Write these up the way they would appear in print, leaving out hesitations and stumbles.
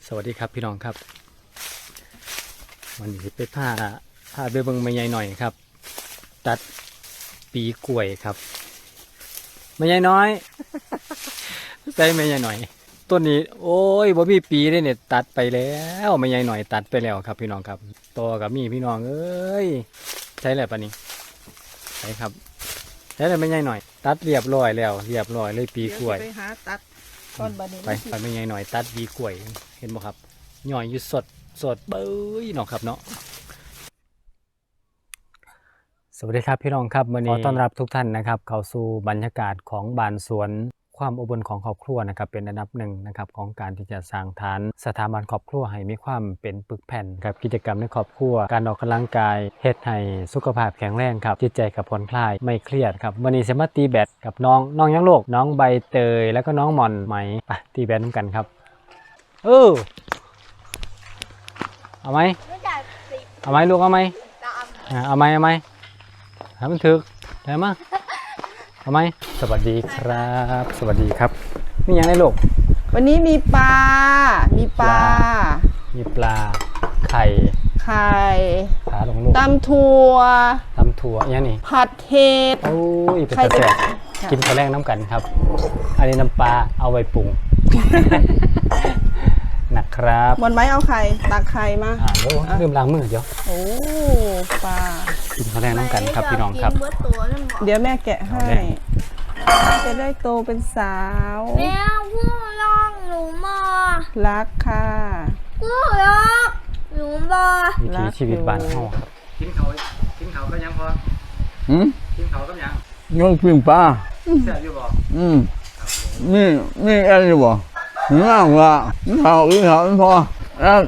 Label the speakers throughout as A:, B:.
A: สวัสดีครับพี่น้องครับวันนี้ไปพาไปเบิ่งแม่ใหญ่หน่อยครับตัดปีกล้วยครับแม่ใหญ่น้อย ใส่แม่ใหญ่หน่อยต้นนี้โอ้ยบ่มีปีเลยเนี่ยตัดไปแล้วแม่ใหญ่หน่อยตัดไปแล้วครับพี่น้องครับต่อกับมีพี่น้องเอ้ยใช่แล้วปะนี่ใช่ครับใช่แล้วแม่ใหญ่หน่อยตัดเรียบร้อยแล้วเรียบร้อยเลยปีกล้วย
B: ไปหาตัดต้นบานี้
A: ไปแม่ใหญ่หน่อยตัดปีกล้วยเห็นบ่ครับหน่อยอยู่สดเบ้ยเนาะครับเนาะสวัสดีครับพี่น้องครับวันนี้ขอต้อนรับทุกท่านนะครับเข้าสู่บรรยากาศของบ้านสวนความอบอุ่นของครอบครัวนะครับเป็นอันดับหนึ่งนะครับของการที่จะสร้างฐานสถาบันครอบครัวให้มีความเป็นปึกแผ่นกับกิจกรรมในครอบครัวการออกกำลังกายเฮ็ดให้สุขภาพแข็งแรงครับจิตใจกับผ่อนคลายไม่เครียดครับวันนี้จะมาตีแบดกับน้องยังโลกน้องใบเตยแล้วก็น้องหม่อนไหมไปตีแบดน้ำกันครับเอาไหมเอาไหมลูกเอาไหมเอาไหมให้มันถึกได้มั้ยเอาไหมสวัสดีครับสวัสดีครับมีอย่างไรลูก
B: วันนี้มีปลามีปลา
A: ไข่ขาลงลูก
B: ตำถั่ว
A: อย่างนี้
B: ผัดเห็ด
A: โอ้ยเป็นแซ่บกินข้าวแรงน้ำกันครับอันนี้น้ำปลาเอาไว้ปรุงนะครับ
B: หมดไหมเอาไข่ตักไข่มา
A: ลืมล้างมือเดี๋ยว
B: โอ้ปลา
A: กินข้าวแรงน้ำกันครับพี่น้องครับ
B: เดี๋ยวแม่แกะให้จะได้โตเป็นสาว
C: แม่พูดลองหนูมา
B: รักค่ะ
C: พูดรักหนูมา
A: วิถีชีวิตบ้านเฮาครับกินเขาก็ยังพอกินเขาก็ยัง
D: ยกปิ้งปลา
A: แซ่บอยู่บ่
D: นี่อะไรอยู่บ่ง่ายกว่าเขาพอแล้ว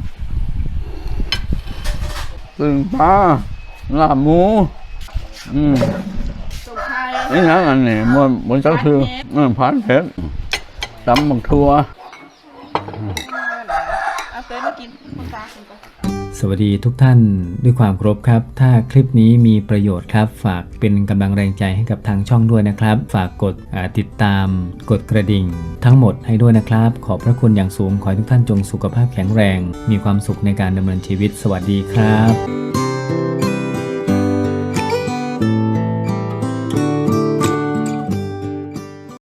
D: ปิ้งปลาลาบหมูนี่นะอันนี้มันจะคือผัดเผ็ดตำบักถั่ว
A: สวัสดีทุกท่านด้วยความเคารพครับถ้าคลิปนี้มีประโยชน์ครับฝากเป็นกำลังแรงใจให้กับทางช่องด้วยนะครับฝากกดติดตามกดกระดิ่งทั้งหมดให้ด้วยนะครับขอบพระคุณอย่างสูงขอให้ทุกท่านจงสุขภาพแข็งแรงมีความสุขในการดำเนินชีวิตสวัสดีครับ